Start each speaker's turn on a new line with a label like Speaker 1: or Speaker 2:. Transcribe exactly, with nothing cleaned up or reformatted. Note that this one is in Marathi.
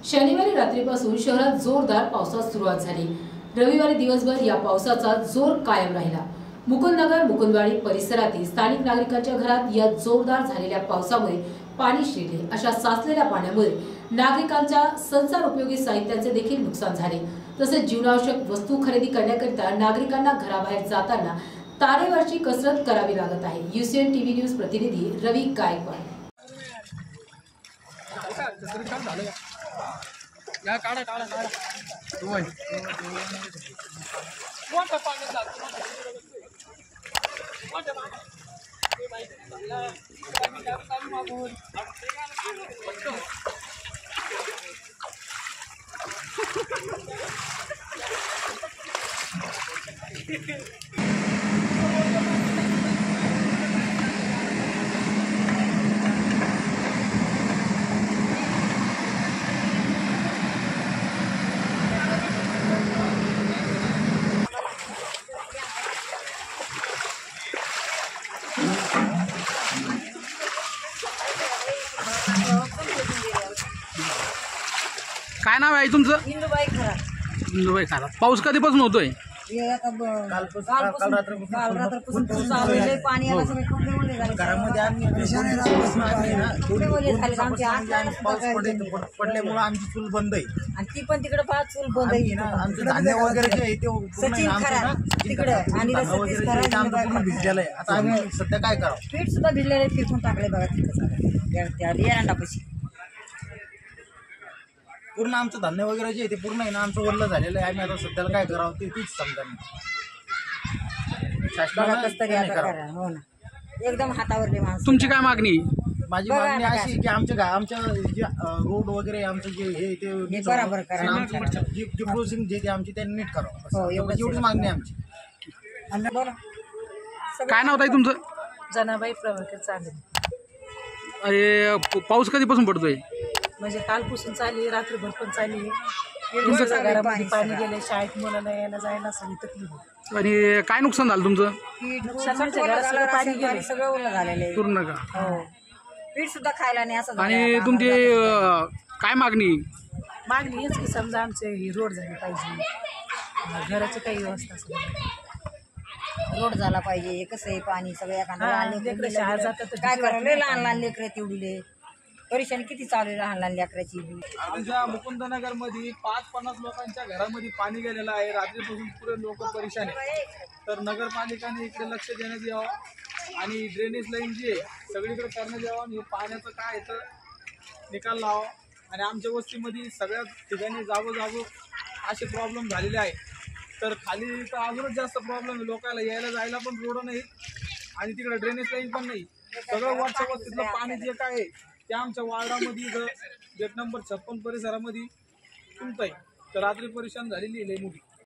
Speaker 1: शनिवारी रात्रीपासून शहरात जोरदार पावसास सुरुवात झाली। रविवारी दिवसभर या पावसाचा जोर कायम राहिला। मुकुंदनगर मुकुंदवाडी परिसरातील स्थानिक नागरिकांच्या घरात या जोरदार झालेल्या पावसामुळे पाणी शिरले। अशा साचलेल्या पाण्यामुळे नागरिकांच्या संसार उपयोगी साहित्याचे देखील नुकसान झाले। तसेच जीवनावश्यक वस्तू खरेदी करण्याकरिता नागरिकांना घराबाहेर जाताना तारेवरची कसरत करावी लागत आहे। यूसीएन टीव्ही न्यूज प्रतिनिधी रवी गायकवाड।
Speaker 2: या काढा काढा काढा दोन मोठा पाणी जातो मोठा पाणी माहिती झाला मी काम चालू मागून
Speaker 3: काय नाव आहे तुमचं?
Speaker 4: इंदुबाई खरात।
Speaker 3: इंदुबाई खरात। पाऊस कधीपासून होतोय?
Speaker 4: काल रात्रपासून पाऊस आलेला पाणी आलं सगळे कपडे ओले झाले
Speaker 2: घरामध्ये आम्ही पडल्यामुळे आमची चूल बंद आहे
Speaker 4: आणि ती पण तिकडे पाच चूल बंद आहे
Speaker 2: ना। आमचं धान्य वगैरे जे आहे ते
Speaker 4: सचिन खरात तिकडे आणि सतीश खरात
Speaker 2: आमचं भिजलेलं आहे। आता आम्ही सध्या काय करावं?
Speaker 4: पीठ सुद्धा भिजलेले फेकून टाकले बघा तिकडे एरंडापाशी।
Speaker 2: पूर्ण आमचं धान्य वगैरे जे आहे ते पूर्ण आहे ना आमचं ओरलं झालेलं आहे। आम्ही आता सध्याला काय करावं ते तीच समजा
Speaker 4: तरी आता करा हो ना एकदम हातावरले माणसं।
Speaker 3: तुमची काय मागणी?
Speaker 2: माझी मागणी अशी आहे की आमच्या आमच्या जे रोड वगैरे आमचं जे हे ते
Speaker 4: बरोबर करा।
Speaker 2: आमची जी प्रोसिंग जे ते आमची त्यांनी नीट करावं एवढीच मागणी आहे आमची।
Speaker 4: बरं
Speaker 3: काय नाव आहे तुमचं?
Speaker 5: जनाबाई प्रभाकर चालेल।
Speaker 3: अरे पाऊस कधीपासून पडतोय?
Speaker 5: म्हणजे कालपासून चालली रात्रभर पण चालली। तुमच्या घरामध्ये पाणी गेले, शाळेत मुलांना यायला जायला सगळी तकलीफ होती।
Speaker 3: आणि काय नुकसान झालं तुमचं?
Speaker 4: नुकसान म्हणजे घरात सगळं पाणी गेले सगळं ओलं झालेलं आहे
Speaker 3: पूर्ण का?
Speaker 4: हो पीठ सुद्धा खायला नाही असं झालं
Speaker 3: आणि
Speaker 4: आता
Speaker 3: तुमची अं, काय मागणी?
Speaker 5: मागणी हेच की समजा आमचे ही रोड झाले पाहिजे, घराची काही व्यवस्था असेल,
Speaker 4: रोड झाला पाहिजे। हे कसं आहे पाणी सगळ्या
Speaker 5: हा, लेकरं शाळेत जातात तर
Speaker 4: काय
Speaker 5: भीती
Speaker 4: करावं?
Speaker 5: वाटते.
Speaker 4: लय लहान लहान लेकरं तेवढीले परेशानी किती चालू आहे लहान लहान लेकराची बी।
Speaker 6: आमच्या मुकुंदनगर मध्ये पाच पन्नास लोकांच्या घरामध्ये पाणी गेलेलं आहे। रात्रीपासून पुरे लोक परेशान आहे। तर नगरपालिकाने इकडे लक्ष देण्यात यावं आणि ड्रेनेज लाईन जी आहे सगळीकडे करण्यात यावं आणि हे पाण्याचं काय आहे तर निकाल लावा। आणि आमच्या वस्तीमध्ये सगळ्या ठिकाणी जागोजागो असे प्रॉब्लेम झालेले आहे। तर खाली तर अजूनच जास्त प्रॉब्लेम आहे, लोकांना यायला जायला पण रोड नाही आणि तिकडे ड्रेनेज लाईन पण नाही। सगळं वरच्या वस्तीतलं पाणी जे काय आहे ते आमच्या वार्डामध्ये गेट नंबर छप्पन परिसरामध्ये तुमचं आहे। तर रात्री परेशान झालेली आहे लई मोठी।